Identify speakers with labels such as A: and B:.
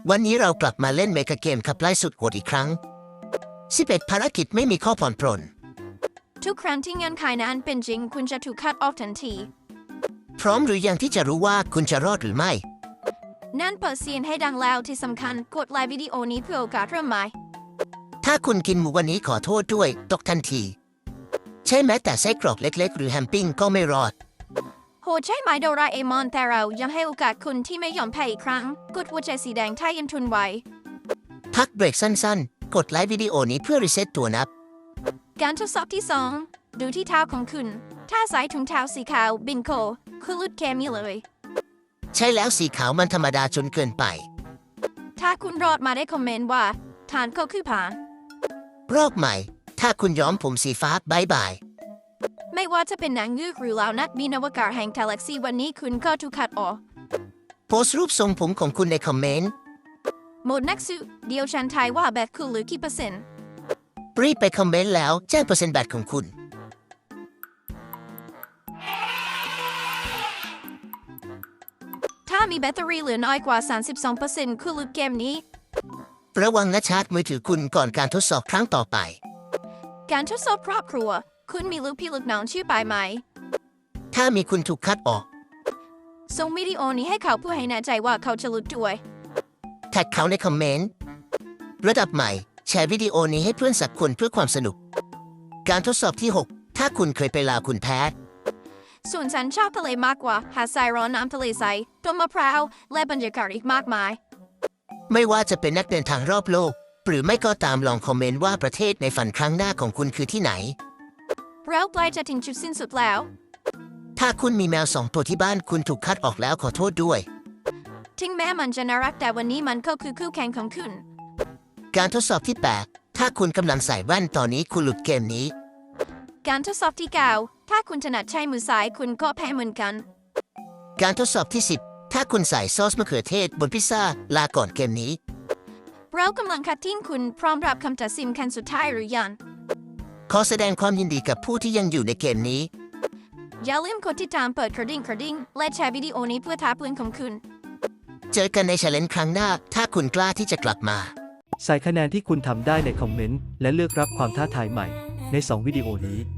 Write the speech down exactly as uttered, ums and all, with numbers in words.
A: วันนี้เรากลับมาเล่นเมกะเกมขับไล่สุดโหดอีกครั้งสิบเอ็ดภารกิจไม่มีข้อผ่อนปรน
B: ทุกครั้งที่เงื่อนไขนั้นเป็นจริงคุณจะถูกคัดออกทันที
A: พร้อมหรือยังที่จะรู้ว่าคุณจะรอดหรือไม่
B: นั่นเปิดเสียงให้ดังแล้วที่สำคัญกดไลค์วิดีโอนี้เพื่อโอกาสเริ่มใหม่
A: ถ้าคุณกินหมูวันนี้ขอโทษด้วยตกทันทีใช่แม้แต่ไส้กรอกเล็กๆหรือแฮมปิ้งก็ไม่รอด
B: โหใช่ไหมโดราเอมอนแต่เรายังให้โอกาสคุณที่ไม่ยอมแพ้อีกครั้งกดหัวใจสีแดงถ้ายังทนไหว
A: พักเบรกสั้นๆกดไลค์วิดีโอนี้เพื่อรีเซ็ตตัวนับ
B: การทดสอบที่สองดูที่เท้าของคุณถ้าใส่ถุงเท้าสีขาวบิงโกคือลุดแคมีเลย
A: ใช่แล้วสีขาวมันธรรมดาจนเกินไป
B: ถ้าคุณรอดมาได้คอมเมนต์ว่าฐานก็คือผ่าน
A: รอบใหม่ถ้าคุณย้อมผมสีฟ้าบายบาย
B: ไม่ว่าจะเป็นหนังยืดหรือเหล่านักบินอวกาศแห่งกาแล็กซีวันนี้คุณก็ถูกคัดออก
A: โพสต์รูปทรงผมของคุณในคอมเมนต์
B: โหมดนักสู้เดียวฉันทายว่าแบตคุณเหลือกี่เปอร์เซ็นต์
A: รีบไปคอมเมนต์แล้วแจ้งเปอร์เซ็นต์แบตของคุณ
B: ถ้ามีแบตเตอรี่เหลือน้อยกว่า สามสิบสองเปอร์เซ็นต์ คือหลุดเกมนี้
A: ระวังนะชาร์จมือถือคุณก่อนการทดสอบครั้งต่อไป
B: การทดสอบครอบครัวคุณมีลูกพี่ลูกน้องชื่อปายไหม
A: ถ้ามีคุณถูกคัดออก
B: ส่งวิดีโอนี้ให้เขาเพื่อให้แน่ใจว่าเขาจะหลุดด้วย
A: แท็กเขาในคอมเมนต์ระดับใหม่แชร์วิดีโอนี้ให้เพื่อนสักคนเพื่อความสนุกการทดสอบที่หกถ้าคุณเคยไปลาวคุณแพ้
B: ส่วนฉันชอบทะเลมากกว่าหาดทรายร้อนน้ำทะเลใสต้นมะพร้าวและบรรยากาศอีกมากมาย
A: ไม่ว่าจะเป็นนักเดินทางรอบโลกหรือไม่ก็ตามลองคอมเมนต์ว่าประเทศในฝันครั้งหน้าของคุณคือที่ไหน
B: เราใกล้จะถึงจุดสิ้นสุดแล้ว
A: ถ้าคุณมีแมวสองตัวที่บ้านคุณถูกคัดออกแล้วขอโทษด้วย
B: ถึงแม้มันจะน่ารักแต่วันนี้มันก็คือคู่แข่งของคุณ
A: การทดสอบที่แปดถ้าคุณกำลังใส่แว่นตอนนี้คุณหลุดเกมนี้
B: การทดสอบที่เก้าถ้าคุณถนัดใช้มือซ้ายคุณก็แพ้เหมือนกัน
A: การทดสอบที่สิบถ้าคุณใส่ซอสมะเขือเทศบนพิซซ่าลาก่อนเกมนี้
B: เรากำลังคัดทิ้งคุณพร้อมรับคำตัดสินขั้นสุดท้ายหรือยัง
A: ขอแสดงความยินดีกับผู้ที่ยังอยู่ในเกมนี้
B: อย่าลืมกดติดตามเปิดกระดิ่งกระดิ่งและแชร์วิดีโอนี้เพื่อท้าเพื่อนของคุณ
A: เจอกันใน Challenge ครั้งหน้าถ้าคุณกล้าที่จะกลับมา
C: ใส่คะแนนที่คุณทำได้ในคอมเมนต์และเลือกรับความท้าทายใหม่ในสองวิดีโอนี้